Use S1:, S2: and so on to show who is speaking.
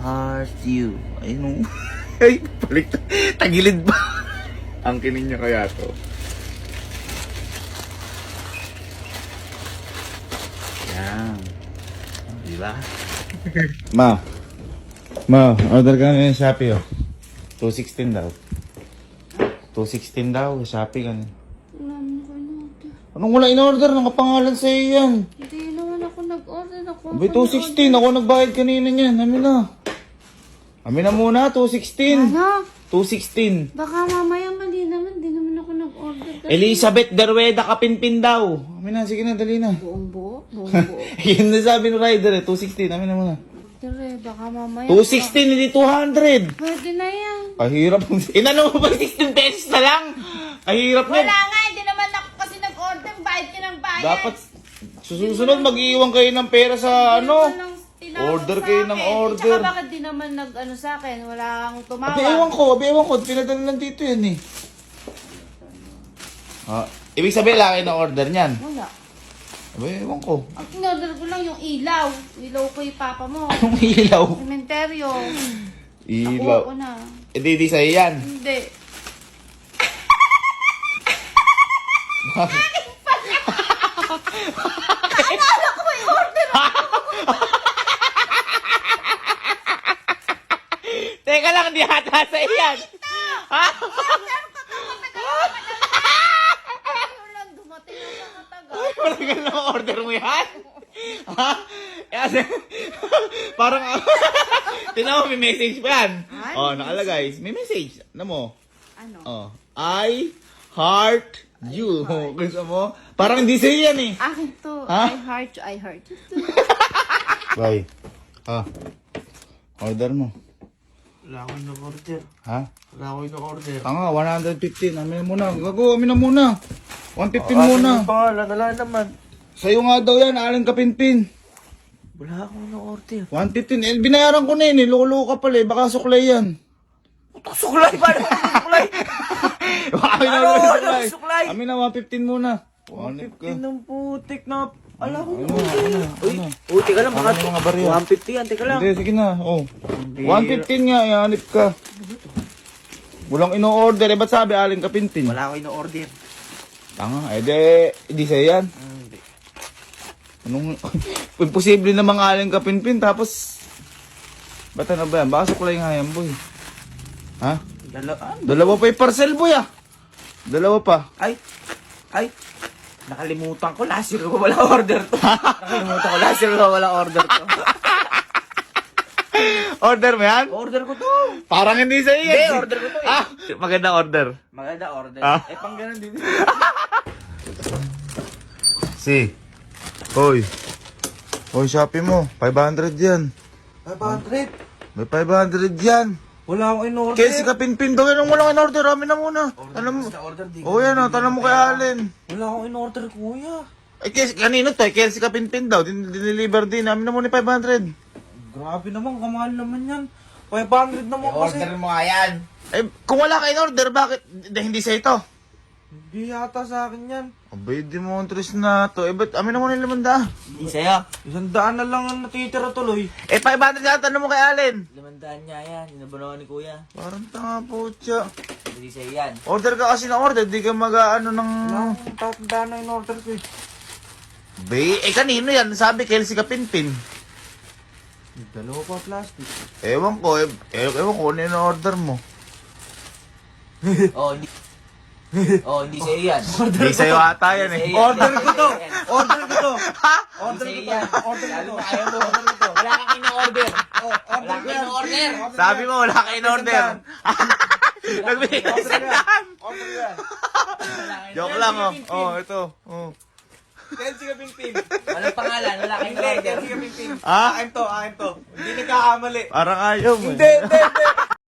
S1: heart you. Ayun o. Ay, balik. Tagilid ba? Ang kinin niya kaya to. Yan. Diba? Ma, order ka na yung Shopee oh. 216 daw. 216 daw, Shopee ka na.
S2: Wala naman ako in-order.
S1: Anong wala in-order? Nakapangalan sa'yo yan.
S2: Hindi naman ako nag-order.
S1: Abay, 216. Ako nagbayad kanina niyan. Amin na. Amin na muna, 216.
S2: Ano?
S1: 216.
S2: Baka mamaya mali naman. Di naman ako nag-order.
S1: Elizabeth Derweda Kapinpin daw. Amin na, sige na, dali na.
S2: Buong buo? Buong buo.
S1: Yun na sabi ng rider eh, 216. Amin na muna.
S2: Dire, baka mamaya.
S1: 216, hindi 200.
S2: Pwede na yan.
S1: Kahirap. Inano mo ba 16 pesos na lang? Kahirap na.
S2: Wala nga. Hindi naman ako kasi nag-order. Bayad ka ng bayad.
S1: Dapat susunod mag-iwan kayo ng pera sa ano. Order kayo ng order.
S2: Tsaka bakit di naman nag-ano sa akin? Wala kang tumawag.
S1: Abi ewan ko. Pinadala lang dito yan eh. Ibig sabihin lang na order niyan.
S2: Wala.
S1: Abi ewan ko.
S2: Ang in-order ko lang yung ilaw. Ilaw ko yung papa mo.
S1: Anong ilaw?
S2: Sementeryo.
S1: Ilaw.
S2: Ako na.
S1: Eh di sa'yo yan.
S2: Hindi. Akala ko may order ako.
S1: Teka lang, di hata sa'yo yan. Ha?
S2: Order ko to. Matagal. Wala dumating ako matagal.
S1: Matagal na order mo yan? Ha? Kasi, parang, tinan mo, may message pa yan.
S2: Ay,
S1: Oh, nakalagay. May message. Ano mo?
S2: Ano?
S1: Oh, I heart you. Gusto mo? Parang hindi sa'yo yan eh.
S2: Akin to.
S1: Ha?
S2: I heart you.
S1: Bye. Order mo.
S3: Wala akong nag-order.
S1: Ha?
S3: Wala akong nag-order.
S1: Tanga, 115. Amin na muna. Gago, amin na muna. 115 muna.
S3: Ang pangalan, wala naman.
S1: Sa'yo nga daw yan, Alan Kapinpin.
S3: Wala akong nag-order.
S1: 115. Eh, binayaran ko na yun eh. Loko ka pala eh. Baka suklay yan.
S3: Suklay! Paano suklay?
S1: Amin na
S3: Ano?
S1: muna
S3: Ano?
S1: suklay.
S3: Suklay?
S1: Amin na 115 muna.
S3: 115 ng putik na. Ala ko.
S1: Uy,
S3: Uy, teka lang.
S1: Ano yung mga barya?
S3: 150 yan, teka lang.
S1: Hindi, sige na. Oh. 115 nga, ianip ka. Walang ino-order. Eh, ba't sabi Alan Kapinpin?
S3: Wala akong in-order.
S1: Tanga, di sa'yo yan.
S3: Hindi.
S1: Anong, imposible namang Alan Kapinpin, tapos, ba't ano ba yan? Baka suklay nga yan, boy. Ha? Dalawa pa yung parcel, boy, ah. Dalawa pa.
S3: Ay! Nakalimutan ko. Last year ko wala order to. Nakalimutan ko. Last year ko wala order to.
S1: Order mo yan?
S3: Order ko to.
S1: Parang hindi sa'yo yan.
S3: Hindi, order ko to eh.
S1: Maganda order.
S3: Maganda order.
S1: Ah?
S3: Eh, pang ganun din.
S1: Si. Hoy, Shopee mo. 500 yan.
S3: 500?
S1: May 500 yan.
S3: Wala akong in-order.
S1: Kaya si Kapinpin daw yan ang walang in-order. Amin na muna. Alam mo.
S3: order di.
S1: Oh, yan o. Tanong mo kay Allen.
S3: Wala akong in-order, kuya.
S1: Eh, kanino to? Kaya si Kapinpin daw. Diniliver din. Amin na muna 500.
S3: Grabe naman, kamahal naman yan. 500 naman kasi.
S1: mo nga yan. Eh, kung wala ka in-order, bakit hindi sa ito?
S3: Hindi yata sa akin yan.
S1: Abay, di mo interest na to. Eh, ba't amin na muna yung 500?
S3: Hindi sa'yo. 100 na lang ang natitira tuloy.
S1: Eh, 500 yan. Tanong mo kay Allen.
S3: 500 niya yan. Inabunawan ni kuya.
S1: Parang tanga po siya.
S3: Hindi sa'yo yan.
S1: Order ka kasi ng order. Di ka mag-ano ng...
S3: Tatanda na in-order ko eh.
S1: Bay, kanino yan? Sabi, Kelsey Kapinpin.
S3: Dalawa pa plastic.
S1: Ewan ko ano yung order mo.
S3: Hindi sa'yo yan.
S1: Hindi sa'yo ata yan eh.
S3: Order ko to! Order ko to!
S1: Ha?
S3: Order ko to! Order ko to! Ayaw mo, order ko to! Wala kang in-order! Wala kang in-order!
S1: Sabi mo, wala ka in order. Nagbigay ka isang daan.
S3: Order yan!
S1: Joke lang oh. Oh, ito. Oh.
S3: Kelsey Kapinpin! Walang pangalan, wala kang in-order. Kelsey Kapinpin!
S1: Ha?
S3: Akin to! Hindi nagkakamali!
S1: Parang ayaw mo.
S3: Hindi!